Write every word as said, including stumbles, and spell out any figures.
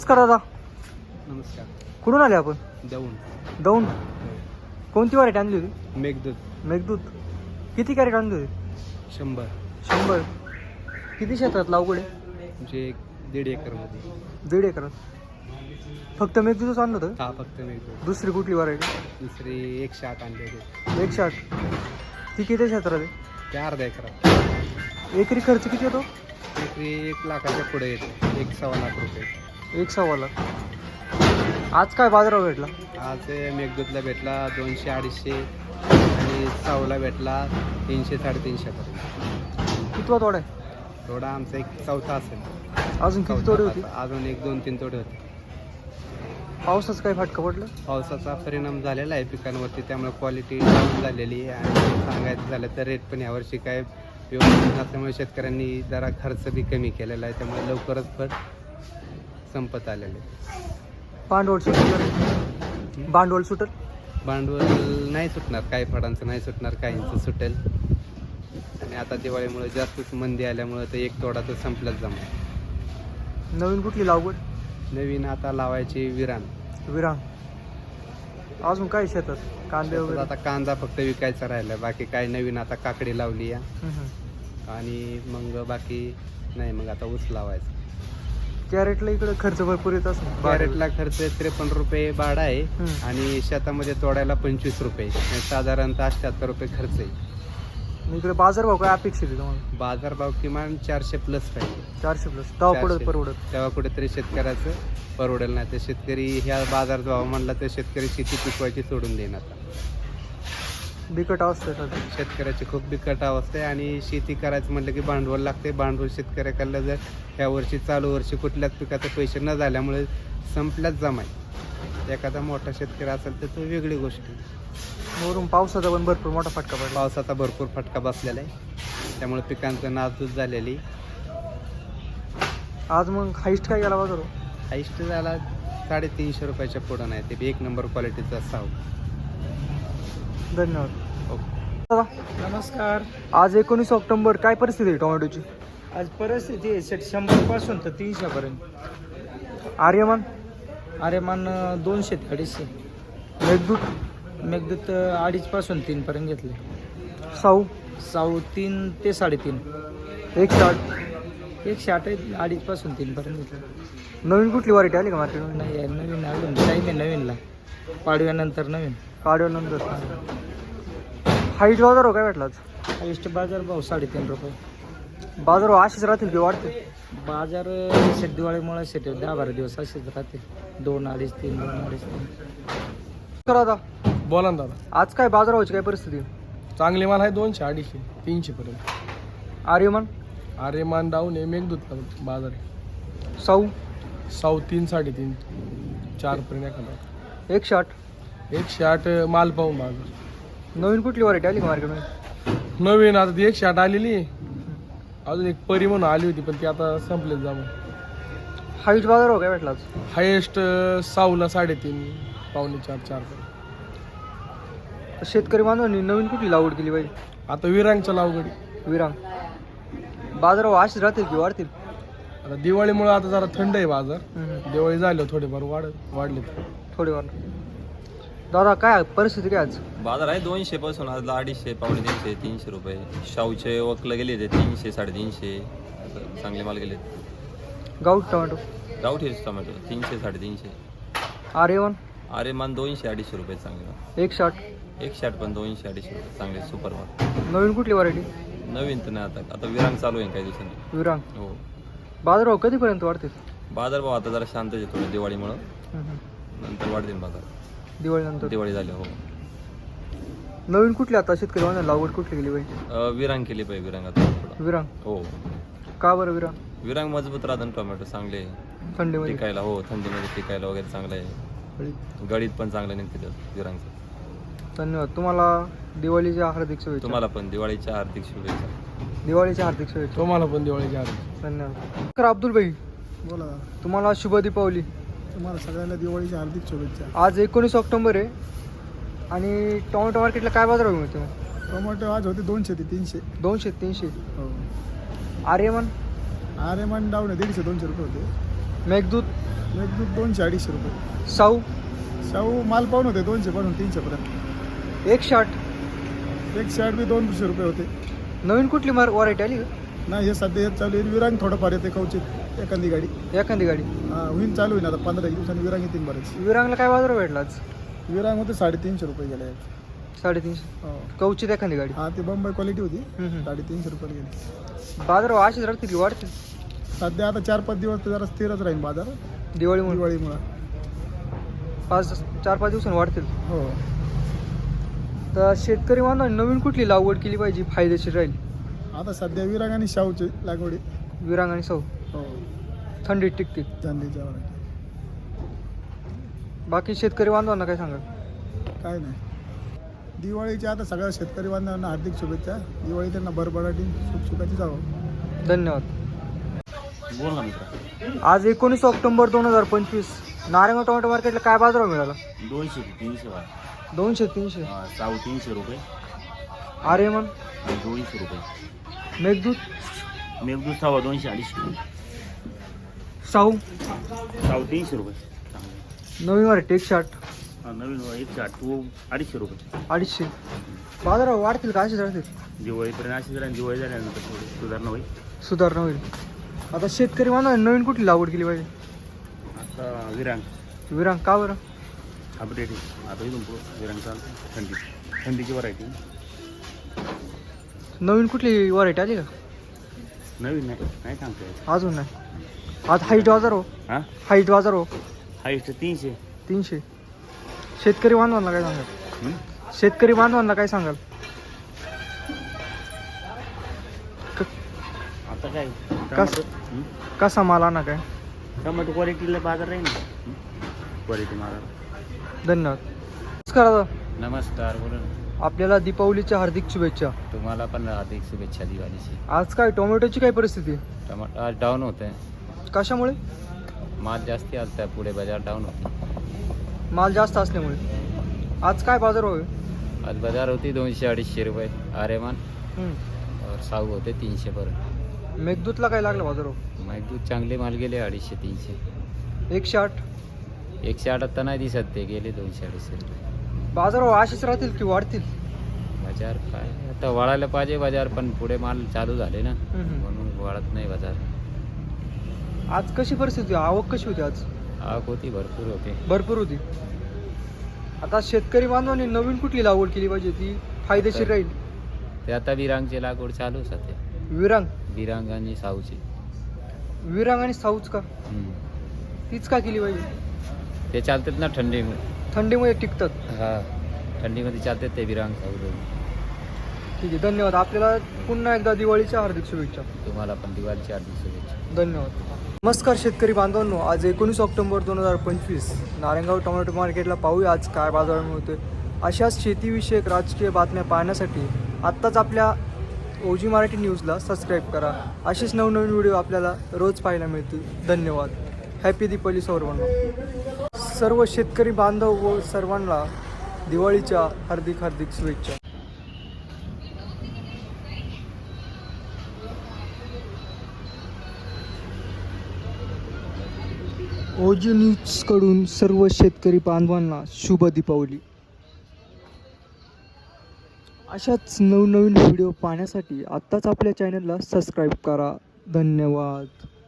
नमस्कार दादा. नमस्कार. कुठून आले आपण? दौंड. दौंड. कोणती वारेट आणली होती? मेघदूत. मेघदूत. किती कॅरेट आणली होती? शंभर. शंभर. किती क्षेत्रात लागवड आहे? म्हणजे एक दीड एकरमध्ये. दीड एकरात. फक्त मेघदूतच आणलं होतं? हा फक्त मेघदूत. दुसरी कुठली व्हरायटी? दुसरी एकशे आठ आणले होते. एकशे आठ. ती किती क्षेत्रात आहे? ते अर्धा एकरात. एकरी खर्च किती येतो? एकरी एक लाखाच्या पुढे येतो. एक सव्वा लाख रुपये. एक सव्वा लाख. आज काय बाजारावर भेटला? आज मेघदूतला भेटला दोनशे अडीचशे आणि साऊला भेटला तीनशे साडेतीनशे पर्यंत. कितवा तोडा आहे? थोडा आमचा एक चौथा असेल. अजून किती तोडे होती? अजून एक दोन तीन तोडे होते. पावसाचं काय फटका पडलं? पावसाचा परिणाम झालेला आहे पिकांवरती, त्यामुळे क्वालिटी डाऊन झालेली आहे आणि सांगायचं झालं तर रेट पण यावर्षी काय व्यवस्थित नसल्यामुळे शेतकऱ्यांनी जरा खर्च बी कमी केलेला आहे, त्यामुळे लवकरच फळ संपत आलेले आहे. भांडवल सुटेल? भांडवल सुटेल? भांडवल नाही सुटणार, काही फळांचं नाही सुटणार, काहींचं सुटेल. आणि आता दिवाळीमुळे जास्तच मंदी आल्यामुळे तर एक तोडा तर संपलाच जमा. नवीन कुठली लागवड? नवीन आता लावायची विरान. विरांग. अजून काय शेतात? कांदे वगैरे? आता कांदा फक्त विकायचा राहिला, बाकी काय नवीन आता काकडी लावली आहे आणि मग बाकी नाही, मग आता ऊस लावायचं. कॅरेटला इकडे खर्च भरपूर येत असेल? कॅरेटला खर्च त्रेपन्न रुपये भाडा आहे आणि शेतामध्ये तोडायला पंचवीस रुपये, साधारणतः अठ्ठ्याहत्तर रुपये खर्च आहे. इकडे बाजारभाव काय अपेक्षित आहे तुम्हाला? बाजारभाव किमान चारशे प्लस पाहिजे. चारशे प्लस. तेव्हा पुढे परवडत. तेव्हा कुठेतरी शेतकऱ्याचं परवडेल. नाही तर शेतकरी ह्या बाजारभाव म्हणला तर शेतकरी शेती पिकवायची सोडून देईन. आता बिकट अवस्था आहे सध्या. शेतकऱ्याची खूप बिकट अवस्था आहे आणि शेती करायचं म्हटलं की भांडवल लागते. भांडवल शेतकऱ्याकडलं जर ह्या वर्षी चालू वर्षी कुठल्याच पिकाचे पैसे न झाल्यामुळे संपल्याच जमाय. एखादा मोठा शेतकरी असेल तर तो वेगळी गोष्ट आहे. वरून पावसाचा पण भरपूर मोठा फटका पडला. पावसाचा भरपूर फटका बसलेला आहे, त्यामुळे पिकांचं नासधूस झालेली. आज मग हाईस्ट काय गेला बाजार? हाईस्ट झाला साडेतीनशे रुपयाच्या पुढं नाही, ते बी एक नंबर क्वालिटीचा साव. धन्यवाद. ओके. नमस्कार. आज एकोणीस ऑक्टोबर. काय परिस्थिती आहे टोमॅटोची? आज परिस्थिती आहे सेट शंभर पासून तर तीनशे पर्यंत. आर्यमान? आर्यमान दोनशे ते अडीचशे. मेघदूत? मेघदूत अडीच पासून तीन पर्यंत घेतले. साऊ? साऊ तीन ते साडेतीन. एकशे आठ. एकशे आठ आहे, अडीच पासून तीन पर्यंत घेतले. नवीन कुठली व्हरायटी आली का मार्केटमध्ये? नाही आहे नवीन अजून टाईम आहे नवीनला, पाडव्यानंतर नवीन. काढल्यानंतर हाईट बाजारावर काय भेटला आज? हायस्ट बाजार भाव साडेतीन रुपये. बाजारावर असेच राहतील की वाढते? बाजार सेट दिवाळीमुळे सेट दहा बारा दिवस असेच राहते. दोन अडीच तीन दोन अडीच तीन. करा आता. बोला ना दादा. आज काय बाजारावरची काय परिस्थिती आहे? चांगले माल आहे दोनशे अडीचशे तीनशे पर्यंत. आर्यमान? आर्यमान डाऊन आहे. मेघदूत बाजार आहे. साऊ? साऊ तीन साडेतीन चार पर्यंत एखादा. एकशे आठ. एकशे आठ माल पाहून बाजार. नवीन कुठली व्हरायटी आली का मार्केटमध्ये? नवीन आता ती एकशे आठ आलेली आहे. अजून एक परी म्हणून आली होती पण ती आता संपलेच जाऊन. हाईट बाजारावर काय भेटला आज? हायेस्ट साऊला साडेतीन पावणे चार चार पर्यंत. शेतकरी बांधवांनी नवीन कुठली लागवड केली पाहिजे? आता विरांगच्या लावगडी. विरांग. बाजारावर असेच राहतील की वाढतील? आता दिवाळीमुळे आता जरा थंड आहे बाजार. दिवाळी झाल्यावर थोडेफार वाढ वाढले थोडीवार. दादा काय परिस्थिती काय आज? बाजार आहे दोनशे पासून आज अडीचशे पावणे तीनशे तीनशे रुपये. शाहूचे वकलं गेले ते तीनशे साडेतीनशे असं चांगले माल गेले. गावठी टोमॅटो? गावठी टोमॅटो तीनशे साडेतीनशे. आर्यमान? आर्यमान दोनशे अडीचशे रुपये चांगले. एकशे आठ. एकशे आठ पण दोनशे अडीचशे रुपये चांगले सुपर माल. नवीन कुठली व्हरायटी? नवीन तर नाही आता आता विरांग चालू आहे काही दिवसांनी. विरांग. हो. बाजारावर कधीपर्यंत वाढतील? बाजार भाव आता जरा शांत आहे थोडं दिवाळीमुळं, नंतर वाढतील बाजार दिवाळीनंतर. दिवाळी झाली. हो. नवीन कुठली आता शेतकरी बांधवांनी लागवड कुठली केली पाहिजे? अं, विरांग केली पाहिजे विरांग आता थोडं. विरांग. हो. का बरं विरांग? विरांग मजबूत राहतं टोमॅटो चांगले थंडीमध्ये टिकायला. हो थंडीमध्ये टिकायला वगैरे चांगलं आहे. गळीत पण चांगलं निघते विरांगचं. धन्यवाद. तुम्हाला दिवाळीच्या हार्दिक शुभेच्छा. तुम्हाला पण दिवाळीच्या हार्दिक शुभेच्छा. दिवाळीच्या हार्दिक शुभेच्छा. तुम्हाला पण दिवाळीच्या हार्दिक. धन्यवाद. तर अब्दुल भाई बोला. तुम्हाला शुभ दीपावली. तुम्हाला सगळ्यांना दिवाळीच्या हार्दिक शुभेच्छा. आज एकोणीस ऑक्टोबर आहे आणि टोमॅटो मार्केटला काय बाजार मिळतो? टोमॅटो आज होते दोनशे ते तीनशे. दोनशे तीनशे. हो. आर्यमान? आर्यमान डाऊन आहे दीडशे दोनशे रुपये होते. मेघदूत? मेघदूत दोनशे अडीचशे रुपये. साऊ शाहू माल पाहून होते दोनशे पासून तीनशेपर्यंत. एकशे आठ एक शर्ट बी दोनशे रुपये होते. नवीन कुठली मार व्हरायटी आली का? नाही हे सध्या येत चालू आहे. विरांग थोडंफार येते कवचित एखादी गाडी. एखादी गाडी. हा होईन चालू होईन आता पंधरा एक दिवसांनी विरांग येतील बरेच. विरांगला काय बाजार भेटला आज? विरांग होते साडेतीनशे रुपये गेले. साडेतीनशे. हो कवचित एखादी गाडी. हा ती बंबई क्वालिटी होती. हम्म, हम्म. साडेतीनशे रुपये गेली. बाजार अशीच राहतील की वाढतील? सध्या आता चार पाच दिवस तर जरा स्थिरच राहील बाजार दिवाळीमुळे दिवाळीमुळं. पाच चार पाच दिवसांनी वाढतील. हो तर शेतकरी बांधवांनी नवीन कुठली लागवड केली पाहिजे फायदेशीर राहील? आता सध्या विरांग आणि शाहूची लागवडी. विरांग आणि साऊ हो थंडीत टिकतील. चांदीच्या वरायटी. बाकी शेतकरी बांधवांना काय सांगाल? काय नाही दिवाळीच्या आता सगळ्या शेतकरी बांधवांना हार्दिक शुभेच्छा. दिवाळी त्यांना भरभराटी सुखसुखाची जावं. धन्यवाद. बोल ना मित्र. आज एकोणीस ऑक्टोबर दोन हजार पंचवीस नारायणगाव टोमॅटो मार्केटला काय बाजार मिळाला? दोनशे ते तीनशे वाट. दोनशे तीनशे. साऊ तीनशे रुपये आर्यमन आणि दोनशे रुपये. मेघदूत मेघदूत सव्वा दोनशे अडीचशे रुपये. साऊ साऊ तीनशे रुपये चांगले. नवीन व्हरायटी एकशे आठ. हा, नवीन एकशे आठ तो अडीचशे रुपये. अडीचशे. बाजार वाढतील का असेच राहतील? दिवाळीपर्यंत अशी जरा दिवाळी झाल्यानंतर थोडी सुधारणा होईल. सुधारणा होईल. आता शेतकरी बांधवांनी नवीन कुठली लागवड केली पाहिजे? आता विरांग विरांग का बरं? अपडेट आहे आता इथून पुढं विरांग चालतं. थंडी थंडीची व्हरायटी. नवीन कुठली व्हरायटी आली का? नवीन नाही नाही सांगता येत. अजून नाही. आज हाईट बाजार हो. हां हाईट बाजार हो. हाईस्ट तीनशे. तीनशे. शेतकरी बांधवांना काय सांगाल? हं? शेतकरी बांधवांना काय सांगाल? आता काय कस- टमाटो. हं? कसा माल आणा काय? टमाटो क्वालिटीला बाजार राहील ना. क्वालिटी माल. धन्यवाद. नमस्कार दादा. नमस्कार, बोला ना. आपल्याला दीपावलीच्या हार्दिक शुभेच्छा. तुम्हाला पण हार्दिक शुभेच्छा दिवाळीची. आज काय टोमॅटोची काय परिस्थिती? टमाटर आज डाऊन होत आहे. कशामुळे? माल जास्ती आलता पुढे बाजार डाऊन होते. माल जास्त असल्यामुळे. आज काय बाजार होय? आज बाजार होती दोनशे अडीचशे रुपये आरेमान हं. और साऊ होते तीनशे पर्यंत. मेघदूतला काय लागलं बाजार हो? दूध चांगले माल गेले अडीचशे तीनशे. एकशे आठ. एकशे आठ आता नाही दिसत ते गेले दोनशे अडीचशे रुपये. बाजार अशीच राहतील की वाढतील? बाजार काय आता वाढायला पाहिजे बाजार, पण पुढे माल चालू झाले ना हं, हं. म्हणून वाढत नाही बाजार. आज कशी परिस्थिती? आवक कशी होती आज? आवक होती भरपूर होते. भरपूर होती. आता शेतकरी बांधवांनी नवीन कुठली लागवड केली पाहिजे ती फायदेशीर राहील? ते आता विरांगची लागवड चालू सध्या. विरांग. विरांग आणि साऊची. विरांग आणि साऊच का? हम्म. तीच का केली पाहिजे? ते चालतात ना थंडीमुळे. थंडीमुळे टिकतात. हा थंडीमध्ये चालतात ते विरांग साऊ दोन. ठीक आहे, धन्यवाद. आपल्याला पुन्हा एकदा दिवाळीच्या हार्दिक शुभेच्छा. तुम्हाला पण दिवाळीची हार्दिक शुभेच्छा. धन्यवाद. नमस्कार शेतकरी बांधवांनो. आज एकोणीस ऑक्टोबर दोन हजार पंचवीस नारायणगाव टोमॅटो मार्केटला पाहूया आज काय बाजार मिळतोय. अशाच शेतीविषयक राजकीय बातम्या पाहण्यासाठी आत्ताच आपल्या ओजी मराठी न्यूजला सबस्क्राईब करा. असेच नवनवीन व्हिडिओ आपल्याला रोज पाहायला मिळतील. धन्यवाद. हॅपी दीपावली सर्वांना. सर्व शेतकरी बांधव व सर्वांना दिवाळीच्या हार्दिक हार्दिक शुभेच्छा. ओजी न्यूजकडून सर्व शेतकरी बांधवांना शुभ दीपावली. अशाच नवनवीन व्हिडिओ पाहण्यासाठी आत्ताच आपल्या चॅनलला सबस्क्राईब करा. धन्यवाद.